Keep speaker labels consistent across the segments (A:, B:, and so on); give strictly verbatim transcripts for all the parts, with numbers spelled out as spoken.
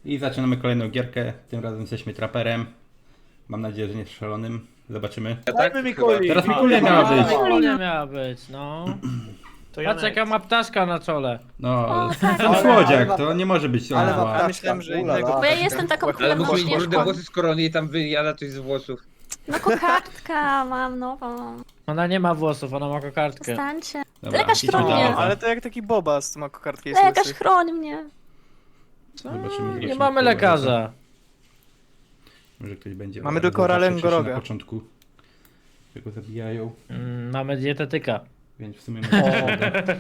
A: I zaczynamy kolejną gierkę. Tym razem jesteśmy traperem. Mam nadzieję, że nie szalonym. Zobaczymy.
B: Dajmy mi kuli.
A: Teraz Mikulia miała być.
C: Mikulia miała być, no.
B: To
C: Patrz jaka ma ptaszka na czole.
A: No,
D: O, tak.
A: to słodziak, to nie może być
B: Ale
A: zła.
B: ja myślałem, że
E: Ulala.
B: innego.
D: Bo ja jestem taką
F: Ale
D: królewną
F: mógł mieć brudne
D: śnieżką.
F: włosy z korony i tam wyjada coś z włosów.
D: No kokardka mam nową.
C: Ona nie ma włosów, ona ma kokardkę.
D: Przestańcie.
A: Dobra,
D: Lekarz
A: idźmy
D: chronie.
A: dalej.
B: No, ale to jak taki bobas ma kokardkę jest
D: Lekarz
B: łysy.
D: chroń mnie.
A: Zobaczymy,
C: Nie
A: jeśli
C: mamy
A: to
C: lekarza.
A: Może ktoś będzie.
B: Mamy
A: ale
B: tylko
A: zobaczę,
B: Ralengoroga.
A: wcześniej Na początku. Że go zabijają,
C: Mm, mamy dietetyka.
A: więc w sumie może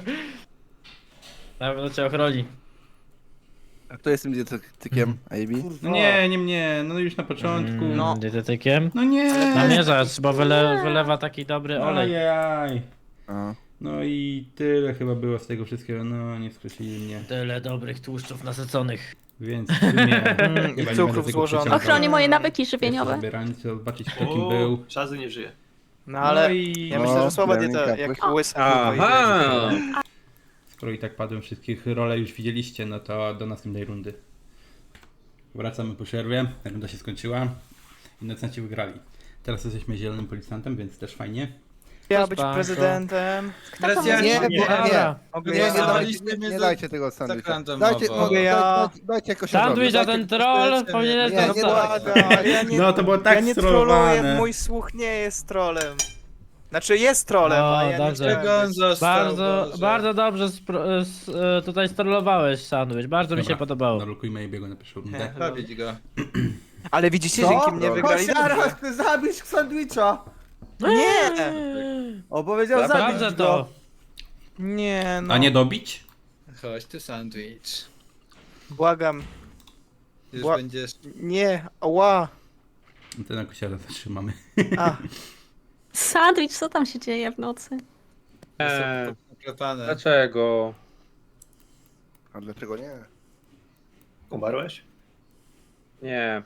C: Na pewno cię ochroni.
E: A kto jest tym dietetykiem, A B?
A: No nie, nie mnie, no już na początku.
C: Mm,
B: No.
C: Dietetykiem?
A: No nie!
C: Namierzacz, bo wyle, wylewa taki dobry olej.
A: Ajaj.
E: A.
A: No i tyle chyba było z tego wszystkiego, no nie skrócili mnie.
C: Tyle dobrych tłuszczów nasyconych.
A: Więc w sumie
B: Mm, i
A: chyba nie
B: cukrów
A: będę tego
B: złożonych.
A: przeciągał.
D: Ochroni moje nawyki
A: Jeszcze
D: żywieniowe.
A: sobie ranić, zobaczyć kto kim był.
G: Szazy nie żyje.
B: No ale
A: No i
B: ja
E: No,
B: myślę, że słaba
E: Fleming
B: dieta,
E: Kapłys.
B: jak łysy.
F: Aha!
A: skoro i tak padłem wszystkich role już widzieliście, no to do następnej rundy. Wracamy po przerwie, runda się skończyła. Innocenci wygrali. Teraz jesteśmy zielonym policjantem, więc też fajnie.
B: Ja być
C: Spanko.
B: prezydentem.
D: Kto to
F: ja-
D: mówi?
E: Nie, nie, nie.
B: Mogę
E: Nie,
B: ja
E: nie,
F: Dobra.
E: dajcie, nie, nie dajcie tego sandwicha.
F: randomowo.
E: Dajcie, no,
B: Mogę ja.
E: dajcie, dajcie jakoś
C: Sandwich, a
E: dajcie-
C: ten troll powinien
E: Nie,
C: zostać.
E: nie
B: Błagam, ja nie,
A: No to było tak
B: ja nie troluję,
A: strollowane.
B: mój słuch nie jest trolem. Znaczy jest trolem,
C: No,
B: a ja
C: dobrze.
B: nie chciałem być.
C: Bardzo, bardzo dobrze spro, s, e, tutaj strollowałeś sandwich, bardzo mi się
A: Dobra,
C: podobało.
A: Narukujmy jego na pierwszą rundę.
B: Nie.
F: Bawić go.
B: Ale widzicie,
E: Co?
B: dzięki mnie
E: No.
B: wygrali
H: Chodź
B: dobrze.
H: zaraz, chcę zabić sandwicha!
B: Nie!
H: O, powiedział
C: Naprawdę
H: zabić
C: to.
H: go.
B: Nie, no.
A: A nie dobić?
F: Chodź tu sandwich.
B: Błagam.
F: Już
B: Bła-
F: będziesz...
B: Nie, ała.
A: No to na kosiara zatrzymamy.
B: A,
D: Sandwich, co tam się dzieje w nocy?
F: Eee, dlaczego?
E: A dlaczego nie?
G: Umarłeś?
F: Nie.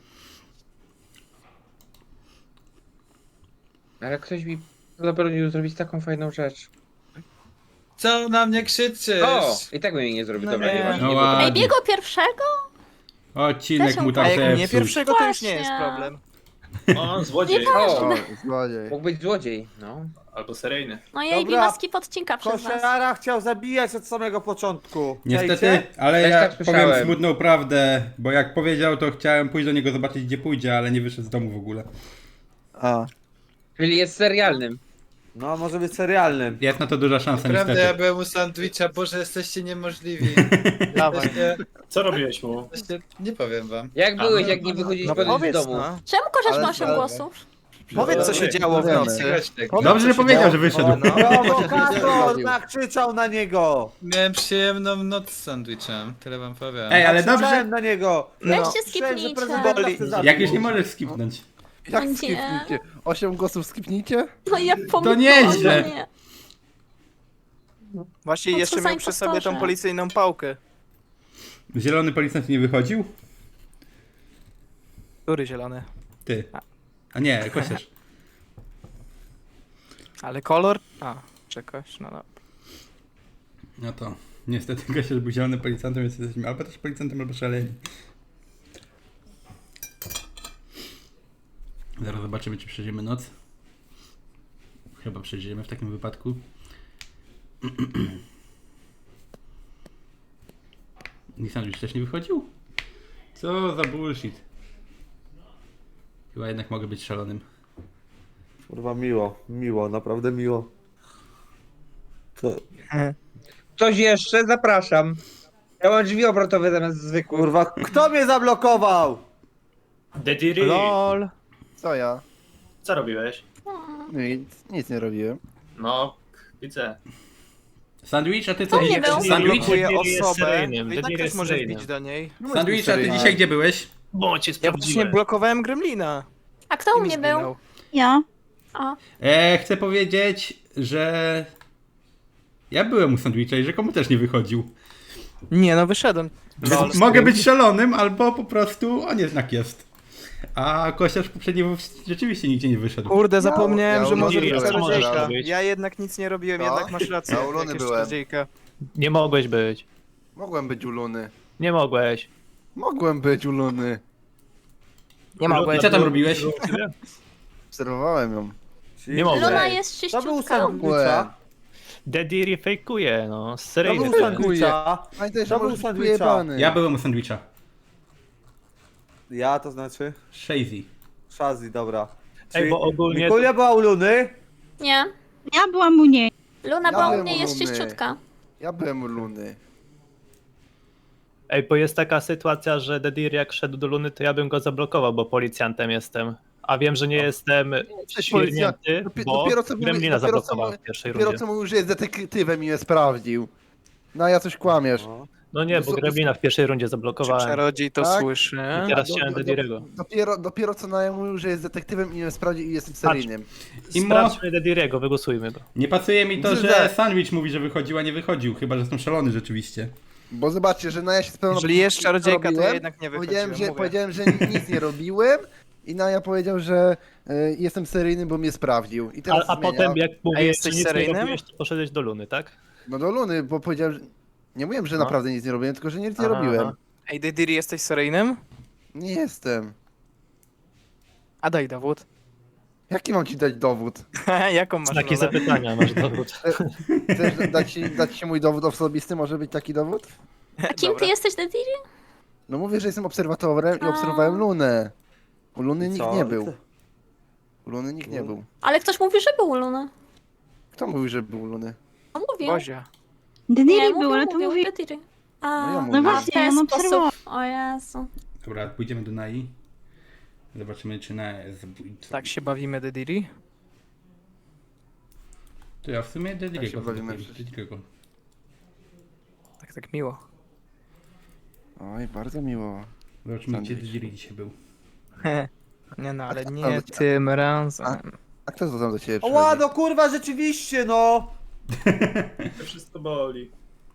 F: Ale ktoś mi zabronił zrobić taką fajną rzecz.
I: Co na mnie krzyczysz?
F: O! I tak bym jej nie zrobił,
B: No
F: dobra,
B: nie.
F: nie,
A: No
F: nie
A: ładnie.
D: Ej, biego pierwszego?
A: Odcinek
D: Też
A: mu
B: a
A: tak
B: jak nie
A: zepsuł.
B: pierwszego, to już nie jest
D: Właśnie.
B: problem.
G: O, złodziej.
F: O!
E: O, złodziej.
F: Mógł być złodziej, no.
G: Albo seryjny.
D: No i Ej,
H: Dobra.
D: maski podcinka przez was.
H: Koszara chciał zabijać od samego początku.
A: Niestety,
H: Czajcie?
A: ale
F: Też
A: ja
F: tak
A: powiem
F: słyszałem.
A: smutną prawdę, bo jak powiedział, to chciałem pójść do niego zobaczyć gdzie pójdzie, ale nie wyszedł z domu w ogóle.
E: A.
F: Czyli jest serialnym.
H: No, może być serialnym.
A: Jest na to duża szansa
I: Prawda, ja
A: niestety.
I: byłem u sandwicha, boże, jesteście niemożliwi.
B: Dawaj.
I: Jesteście,
G: Co robiłeś mu?
I: jesteście, nie powiem wam.
F: Jak
G: A,
F: byłeś,
G: no,
F: jak nie
G: no,
F: wychodziłeś
B: No
F: z
B: powiedz,
F: domu?
B: no.
D: Czemu korzysz
E: Ale-
D: ma osiem
E: ale-
D: głosów?
B: Powiedz, co się działo w nocy.
I: Słuchajcie,
A: Dobrze, że powiedział, że wyszedł.
B: O, no.
H: Prowokator nakrzyczał na niego!
I: miałem przyjemną noc z sandwichem, tyle wam powiem.
A: Ej, ale
H: Nakrzyczałem
A: dobrze,
H: na niego!
B: No.
D: Weźcie
H: Słyszałem, że
D: skipnijcie.
H: prezydenta
B: Boli.
H: chce zabić.
A: jak już nie możesz skipnąć.
E: Jak
D: No nie.
E: skipnijcie? Osiem głosów skipnijcie?
D: No ja pomyślałam,
A: nieźle.
D: że nie.
B: Właśnie
D: No co
B: jeszcze
D: za
B: miał przy sobie tą
D: impostorze.
B: policyjną pałkę.
A: Zielony policjant nie wychodził?
B: Który zielony?
A: Ty. A nie, kosiarz.
B: Ale kolor? A, czegoś, no dobra.
A: No to niestety kosiarz był zielonym policjantem, więc jesteśmy albo też policjantem, albo szaleni. Zaraz zobaczymy, czy przeżyjemy noc. Chyba przeżyjemy w takim wypadku. Nissan już też nie wychodził? Co za bullshit. Chyba jednak mogę być szalonym.
H: Kurwa, miło, miło, naprawdę miło. To,
F: Coś jeszcze? Zapraszam. Ja mam drzwi obrotowe zamiast zwykłych.
H: kurwa, kto mnie zablokował?
G: Dediri.
B: LOL.
E: Co ja?
G: Co robiłeś?
E: Nic, nic nie robiłem.
G: No, widzę.
A: Sandwich, a ty co?
D: To nie był.
A: Sandwich?
B: Blokuje
G: Dediri jest
B: osobę,
G: seryjnym,
B: to i tak
G: Dediri
B: też
G: jest
B: może
G: seryjnym.
B: wbić do niej.
A: Sandwich, a ty dzisiaj gdzie byłeś?
G: Bo cię
B: Ja właśnie
G: sprawdziłem.
B: blokowałem Gremlina.
D: A kto u
B: I mi
D: mnie był?
B: zginął.
D: Ja. A,
A: E, chcę powiedzieć, że ja byłem u Sandwicha i że komu też nie wychodził.
B: Nie, no wyszedłem.
A: Więc mogę być szalonym, albo po prostu on jednak jest. A kosiarz poprzednio rzeczywiście nigdzie nie wyszedł.
B: Kurde, zapomniałem,
E: ja
B: że
E: u
B: może
E: Ludzi
B: być
E: byłem,
B: czarodziejka.
G: może być.
B: Ja jednak nic nie robiłem,
E: No.
B: jednak masz rację.
E: Ja u Luny
B: jakieś
E: byłem.
B: czarodziejka.
J: Nie mogłeś być.
E: Mogłem być u Luny.
J: Nie mogłeś.
E: Mogłem być u Luny.
B: Nie mogłem.
A: I co tam robiłeś?
E: Obserwowałem ją.
G: Nie mogę.
D: Luna jest
H: To był
D: czyściutka.
H: sandwicha.
G: Daddy fejkuje, no.
H: To
G: Seryjny.
H: był sandwicha.
E: Pamiętaj, że
H: To był
E: możesz być
H: sandwicha.
E: ujebany.
A: Ja byłem u sandwicha.
H: Ja to znaczy?
A: Shazy.
H: Shazzy, dobra.
G: Ej, bo ogólnie...
H: Mikulia była u Luny.
D: Nie.
J: Ja byłam u niej.
D: Luna
E: Ja
D: była u
E: byłem
D: mnie
E: u
D: jest
E: Luny.
D: czyściutka.
E: Ja byłem u Luny.
G: Ej, bo jest taka sytuacja, że Dedir jak szedł do Luny, to ja bym go zablokował, bo policjantem jestem. A wiem, że nie jestem świrnięty,
E: Dopi-
G: bo
E: dopiero co mówi-
G: Gremlina
E: dopiero co
G: zablokował
E: mówi-
G: w pierwszej
E: Dopiero
G: rundzie.
E: co mówił, że jest detektywem i mnie sprawdził. No ja coś kłamiesz.
H: No.
G: No nie, bo
E: Wys-
G: Gremlina w pierwszej rundzie
B: Czy
G: zablokowałem.
B: czarodziej to
E: Tak?
B: słyszy?
G: I teraz
E: Do-
G: chciałem
E: do- do-
G: Dediriego.
E: Dopiero, dopiero co na mówił, że jest detektywem i mnie sprawdził i jestem seryjnym.
A: Imo-
G: Sprawdźmy Dediriego, wygłosujmy go.
A: Nie pasuje mi to,
E: Myślę,
A: że
E: że-
A: sandwich mówi, że wychodził, a nie wychodził. Chyba, że jestem szalony rzeczywiście.
E: Bo zobaczcie, że Naja się spełniła.
B: Jeżeli jest czarodziejka, to ja
E: robiłem.
B: jednak nie
E: Powiedziałem,
B: wychodziłem,
E: że,
B: mówię.
E: powiedziałem, że nic nie robiłem i Naja powiedział, że y, jestem seryjny, bo mnie sprawdził. I
G: A,
E: teraz
G: a
E: zmienia.
G: potem jak mówiłeś, że
B: jesteś
G: nic nie
B: seryjnym?
G: robiłeś, to poszedłeś do Luny, tak?
E: No do Luny, bo powiedziałem, że... Nie mówiłem, że
G: No.
E: naprawdę nic nie robiłem, tylko że nic nie
G: Aha,
E: robiłem.
G: aha.
B: Ej, Dediri, jesteś seryjnym?
E: Nie jestem.
B: A daj dowód.
E: Jaki mam ci dać dowód?
B: Jaką masz
G: Takie
B: rolę?
G: zapytania masz dowód.
E: Chcesz dać ci, dać ci mój dowód osobisty? Może być taki dowód?
D: A kim ty
B: Dobra.
D: jesteś, Dediri?
E: No mówię, że jestem obserwatorem i
D: A.
E: obserwowałem Lunę. U Luny nikt
H: Co?
E: nie był. U Luny nikt nie był.
D: Ale ktoś mówi, że był u Luny.
E: Kto mówił, że był u Luny?
D: On mówił.
B: Bozia.
J: Dediri
D: Nie,
J: był,
D: mówił,
J: ale to
D: mówił,
J: mówi...
D: Dediri. A,
E: No ja
D: a
E: mówię.
J: No
D: w
J: właśnie,
D: ten
J: on
D: sposób.
J: obserwował.
D: O Jezu.
A: Dobra, pójdziemy do Nai. Zobaczymy, czy Naja jest zabójcą.
B: Tak się bawimy, Dediri?
A: To ja w sumie Dediriego.
E: Tak się bawimy
A: zablokuję,
E: przecież.
A: Dediriego.
B: Tak, tak miło.
E: Oj, bardzo miło.
A: Zobaczymy, gdzie
E: Sandwich.
A: Dediri dzisiaj był.
B: Nie no, ale
E: A kto
B: nie
E: tam do-
B: tym razem.
E: A kto to tam do ciebie
H: O
E: przychodzi?
H: ładno, kurwa, rzeczywiście, no.
G: To wszystko boli.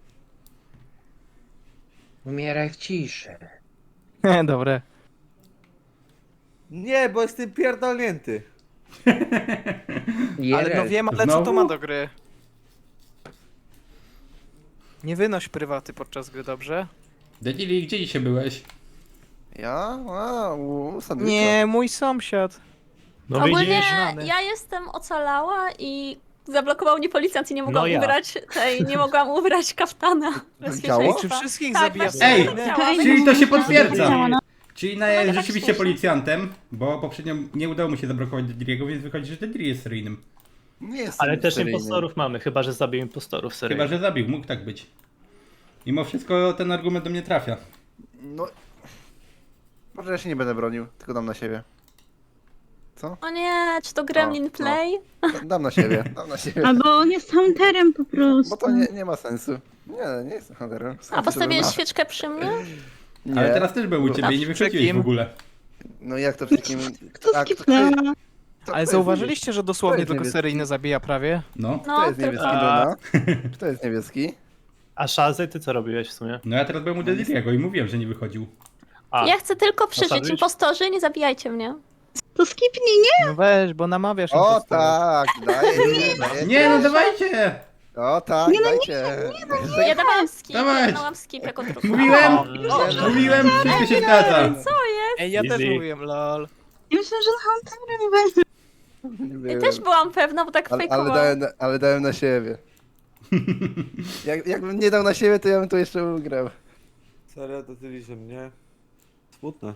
F: Umieraj w ciszy.
B: Dobre.
H: Nie, bo jestem pierdolnięty.
B: Ale no wiem, ale co to
A: Znowu?
B: ma do gry? Nie wynoś prywaty podczas gry, dobrze?
A: Dediri, gdzie dzisiaj byłeś?
E: Ja? A, u sandwicha.
B: Nie, mój sąsiad.
G: No
D: Ogólnie
G: widzisz?
B: znany.
D: ja jestem ocalała i zablokował mnie policjant i nie mogłam
G: No ja.
D: ubrać tej, nie mogłam ubrać kaftana
E: Ciało?
D: bezpieczeństwa.
B: Czy wszystkich
D: Tak,
B: zabija?
D: właśnie
A: Ej!
D: chciałam.
A: Czyli to się
J: Działa,
A: potwierdza!
J: no.
A: Czyli Naja jest
D: No, tak
A: rzeczywiście
D: śmieszne.
A: policjantem, bo poprzednio nie udało mu się zablokować Dediriego, więc wychodzi, że Dediri jest seryjnym.
E: Nie jestem
G: Ale też
E: seryjny.
G: impostorów mamy, chyba że zabił impostorów, serio.
A: Chyba, że zabił, mógł tak być. Mimo wszystko ten argument do mnie trafia.
E: No... Może ja się nie będę bronił, tylko dam na siebie. Co?
D: O nie, czy to Gremlin
E: O, no.
D: Play?
E: Da- Dam na siebie, dam na siebie.
J: Albo on jest hunterem po prostu.
E: Bo to nie, nie ma sensu. Nie, nie jestem hunterem.
D: A postawiłeś
E: na...
D: świeczkę przy mnie?
E: Nie.
A: Ale teraz też był u ciebie i nie
B: A
A: wychodziłeś
B: przy kim?
A: w ogóle.
E: No jak to wszystkim...
J: Kto
E: A, kto-
J: skipnęła?
E: kto- kto
B: Ale
E: jest
B: zauważyliście, że dosłownie
E: jest
B: tylko
E: niebieski?
B: seryjny zabija prawie?
A: No.
E: Kto
D: No,
E: jest
D: tylko.
E: niebieski,
G: A.
E: Luna? Kto jest niebieski?
G: A Szazy, ty co robiłeś w sumie?
A: No ja teraz byłem u Dediriego i mówiłem, że nie wychodził.
G: A,
D: Ja chcę tylko przeżyć.
G: sandwich?
D: Impostorzy, nie zabijajcie mnie.
J: To skipnij, nie?
B: No weź, bo namawiasz
E: O
B: impostorów.
E: tak, daję, daję.
A: Nie, no dawajcie!
E: O tak, dajcie.
D: Ja dawałam skip,
A: Dawaj.
D: ja dawałam skip jako druga.
A: Mówiłem!
G: O,
A: Mówiłem, wszystko się zgadza.
B: Ej, ja też
G: Easy.
B: mówiłem, lol.
J: Ja myślę, że hunterem będzie.
E: Nie
D: Ja
E: wiem.
D: też byłam pewna, bo tak
E: ale, ale,
D: fejkowałam.
E: dałem, na- ale dałem na siebie. Jak, jakbym nie dał na siebie, to ja bym to jeszcze ugrał.
H: Serio, to tyle, że mnie... Smutne.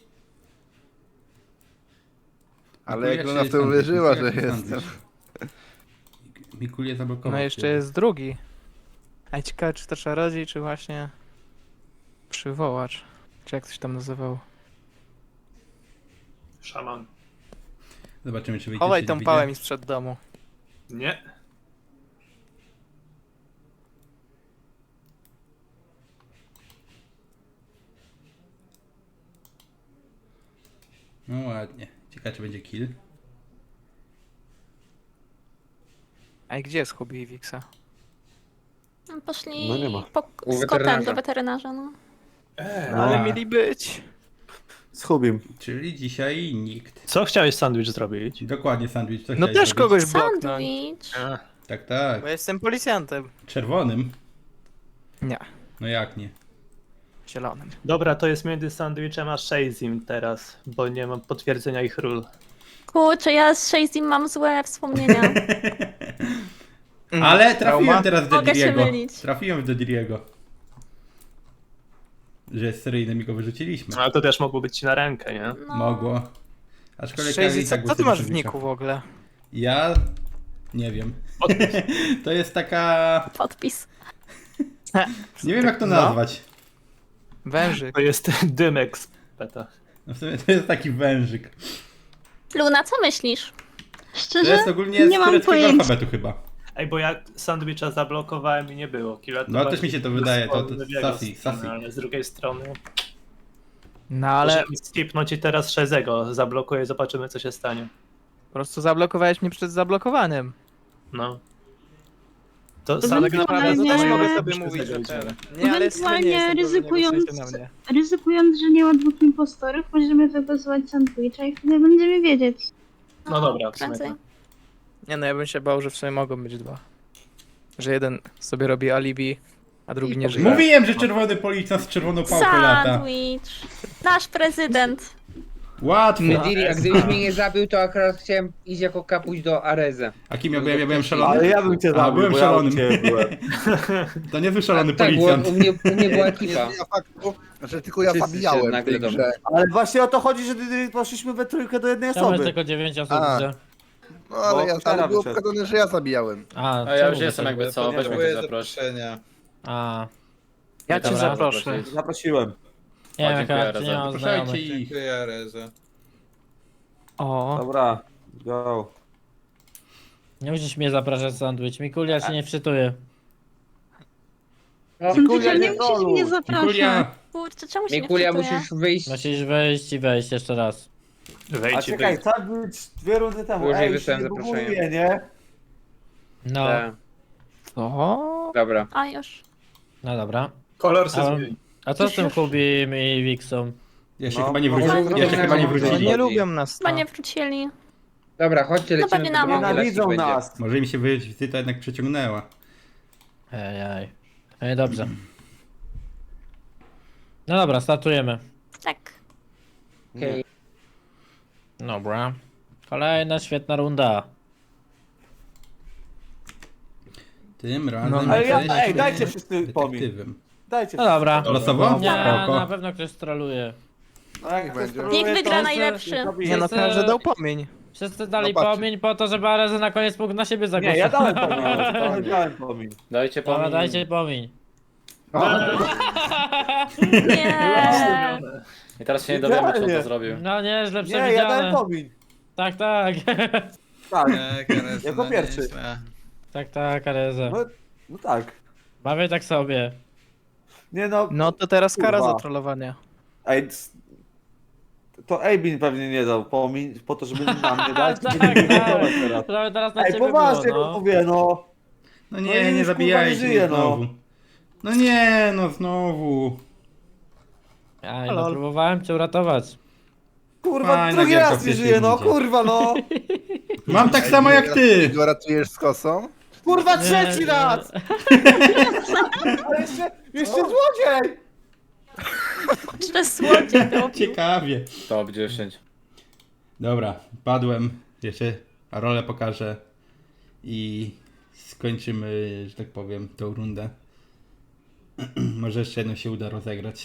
E: Ale jak
A: Mikulia
E: Luna
A: czy
E: w to
A: sandwich?
E: uwierzyła, że
A: Mikulia czy
E: jestem.
A: sandwich? Mikulia zablokował.
B: No jeszcze
A: cię.
B: jest drugi. A ciekawe, czy to czarodziej, czy właśnie... Przywołacz. Czy jak coś tam nazywał.
G: szaman.
A: Zobaczymy, czy wyjdzie.
B: Chowaj
A: czy
B: tą
A: nie
B: pałę
A: wyjdzie.
B: mi sprzed domu.
G: Nie.
A: No ładnie. Ciekawe, czy będzie kill.
B: Ej, gdzie jest hobby Wixa?
D: Poszli
H: No nie ma.
D: po,
F: U
D: z kotem
F: weterynarza.
D: do weterynarza, no.
B: No, ale
A: A.
B: mieli być.
H: Z Hubim.
A: Czyli dzisiaj nikt.
G: Co chciałeś sandwich zrobić?
A: Dokładnie, sandwich. Co
B: No
A: chciałeś
B: też
A: zrobić?
B: kogoś bloknąć.
D: Sandwich.
G: A,
A: Tak, tak.
B: Bo jestem policjantem.
A: Czerwonym?
B: Nie.
A: No jak nie?
B: Zielonym.
G: Dobra, to jest między Sandwichem a Shazim teraz, bo nie mam potwierdzenia ich ról.
D: Kurczę, ja z Shazim mam złe wspomnienia.
A: Ale trafiłem
B: Trauma?
A: teraz w
D: Mogę się
A: Dediriego.
D: mylić.
A: Trafiłem w Dediriego. Że jest seryjnym i go wyrzuciliśmy.
G: Ale to też mogło być ci na rękę, nie?
D: No.
A: Mogło. Aczkolwiek
B: Shazzy,
A: i
B: co,
A: tak
B: co ty
A: głosy
B: masz w
A: Dediriego.
B: niku w ogóle?
A: Ja... nie wiem. To jest taka...
D: Podpis.
A: nie wiem jak to
B: No.
A: nazwać.
B: Wężyk.
G: To jest dymek z peta.
A: No w sumie to jest taki wężyk.
D: Luna, co myślisz?
A: To
J: Szczerze?
A: jest ogólnie
J: nie
A: z
J: mam
A: tureckiego
J: pojęcia.
A: alfabetu chyba.
G: Ej, bo ja Sandwicha zablokowałem i nie było. Killa to
A: No, też
G: bardziej
A: mi się to
G: z
A: wydaje, to- to
G: strony jego
A: Sassy,
G: strony,
A: Sassy.
G: Ale z drugiej strony...
B: No ale
G: Ale skipnąć i teraz Shazego zablokuję, zobaczymy co się stanie.
B: po prostu zablokowałeś mnie przed zablokowanym.
G: No. To
J: To
G: Sandwich
B: Tak naprawdę to też
J: Ewentualnie-
B: mogę sobie
G: Shazego
B: mówić, że
G: idziemy.
B: ten. Nie, ale jest
J: Ewentualnie
B: nie jestem
J: ryzykując,
B: pewny, głosujcie na mnie.
J: ryzykując, że nie ma dwóch impostorów, możemy wygłosować Sandwicha i wtedy będziemy wiedzieć.
G: No dobra, w sumie
D: prędzej.
G: tak.
B: Nie no, ja bym się bał, że w sumie mogą być dwa. Że jeden sobie robi alibi, a drugi nie żyje.
A: Mówiłem, że czerwony policjant z czerwoną pałką lata.
D: Sandwich. Nasz prezydent.
A: Łatwo.
B: No.
F: Dediri, a gdybyś mnie nie zabił, to akurat chciałem iść jako kapuś do Areza.
A: A kim ja byłem? Ja byłem szalony?
H: Ale ja bym cię
A: A,
H: zabił,
A: byłem
H: bo ja u
A: szalonym.
H: ciebie byłem.
A: To nie był szalony
F: tak, było,
A: policjant.
F: u, mnie, u mnie była
E: Nie
F: ekipa.
E: zmienia faktu, że tylko ja
F: Wszyscy się
E: zabijałem w
F: nagle
E: tej
F: domu.
E: grze.
H: Ale właśnie o to chodzi, że poszliśmy we trójkę do jednej
C: Tam jest
H: osoby.
C: tylko dziewięć osób,
E: A.
C: widzę.
E: No ale,
H: Bo
E: ja, ale
H: Kara
E: było
H: wyszedł.
E: pokazane, że ja zabijałem.
C: A,
I: A ja
C: czemu
I: już jestem
C: wyszedł?
I: jakby co, weź mnie
H: Dziękuję
I: tu zaproś.
C: A,
B: Ja cię
C: Dobra.
B: zaproszę.
H: Zaprosiłem.
C: nie wiem,
I: dziękuję,
C: jaka, czy nie
I: Reza.
C: mam
A: Proszę
C: znajomych.
A: i...
I: Dziękuję, Areza.
B: O,
H: Dobra, go.
C: Nie musisz mnie zapraszać, Sandwich. Mikulia się nie wczytuje.
F: No,
J: Sandwicha,
H: nie
J: nie musisz
H: troluj.
J: mnie zapraszać.
A: Mikulia,
D: Kurczę, czemu się
F: Mikulia,
D: nie wczytuje?
F: musisz wyjść.
C: Musisz wejść i wejść jeszcze raz.
H: A
G: Wejdź i
H: czekaj,
G: wyjdź.
H: sandwich dwie rundy temu.
F: Później
H: Ej,
F: wysłałem
H: się nie
F: zaproszenie.
H: buguje, nie?
C: No,
F: Tak,
B: o.
F: dobra.
D: A już.
C: no dobra.
G: Kolor
C: A,
G: se zmieni.
C: a co z tym Kubim i Wixą?
A: ja się
H: No,
A: chyba nie
H: no,
A: wróciłem.
F: no,
A: Ja się
F: no,
A: chyba nie
F: no,
B: No
A: wrócili.
B: nie lubią nas.
D: Chyba
B: No.
D: nie wrócili.
F: Dobra, chodźcie,
D: No
F: lecimy
D: pewnie
F: do
D: na
F: drugiej
H: Nienawidzą
F: klasy będzie.
H: nas.
A: Może mi się wizyta jednak przeciągnęła.
C: Ej, ej. Ej, dobrze. No dobra, startujemy.
D: Tak.
F: Okej.
C: Dobra. Kolejna świetna runda.
A: Tym razem
B: No,
H: ale ja-
A: jesteśmy
H: ej, dajcie wszyscy pomin.
A: detektywem.
H: Dajcie.
C: No dobra.
A: Losowo?
C: Nie,
A: Spoko.
C: na pewno ktoś troluje.
H: No jak
E: Niech
H: ktoś
E: będzie.
H: troluje,
D: Niech wygra
H: to-
D: najlepszy.
H: to bije.
B: Nie no,
C: Wszyscy-
B: każdy dał pomień.
C: Wszyscy dali
E: No patrzcie.
C: pomiń po to, żeby Areza na koniec mógł na siebie
H: Nie,
C: zagłosować.
H: ja dałem pomin. ale Dałem pomin.
I: Dajcie
C: Dobra,
I: pomin.
C: dajcie pomiń.
D: Nie.
I: I teraz się nie
H: dowiemy,
I: dowiemy,
H: czy on to
I: co
H: zrobił.
C: No nieźle
H: Nie, ja dałem
C: przewidziane.
H: pomin.
C: Tak, tak.
H: Tak,
I: Nie, Areza,
H: Jako
I: no
H: pierwszy.
I: nieźle.
C: Tak, tak, Areza.
H: no, no tak.
C: Bawię tak sobie.
H: Nie no,
B: No to teraz kara
H: Kurwa.
B: za trollowanie.
H: ej, c- to Ejbin pewnie nie dał pomin, po to, żeby nam nie dać.
C: Tak,
H: żeby nie
C: tak.
H: blokować teraz.
C: To teraz na
H: Ej,
C: ciebie
H: poważnie
C: było,
H: no.
C: no.
H: mówię, no.
A: No
H: No
A: nie,
H: i
A: nie
H: już, kurwa,
A: zabijajcie
H: nie
A: mnie
H: żyje, no.
A: znowu. No nie, no znowu.
C: Aj,
B: Halo.
C: no próbowałem cię uratować.
H: Kurwa,
A: Fajna
H: drugi
A: gierka w
H: raz nie
A: pierwszej
H: żyje, no,
A: rundzie.
H: kurwa, no.
A: Mam tak samo jak ty.
E: Go ratujesz z kosą?
H: Kurwa,
C: Nie,
H: trzeci
C: nie.
H: raz. Ale jeszcze, jeszcze złodziej.
D: Czy słodziek robił?
A: Ciekawie.
I: Top dziesięć.
A: Dobra, padłem. Jeszcze rolę pokażę. I skończymy, że tak powiem, tą rundę. Może jeszcze jedno się uda rozegrać.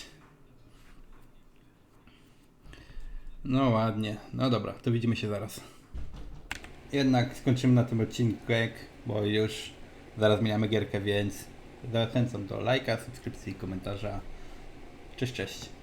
A: No ładnie. No dobra, to widzimy się zaraz. Jednak skończymy na tym odcinku, bo już zaraz zmieniamy gierkę, więc zachęcam do lajka, subskrypcji, komentarza. Cześć, cześć.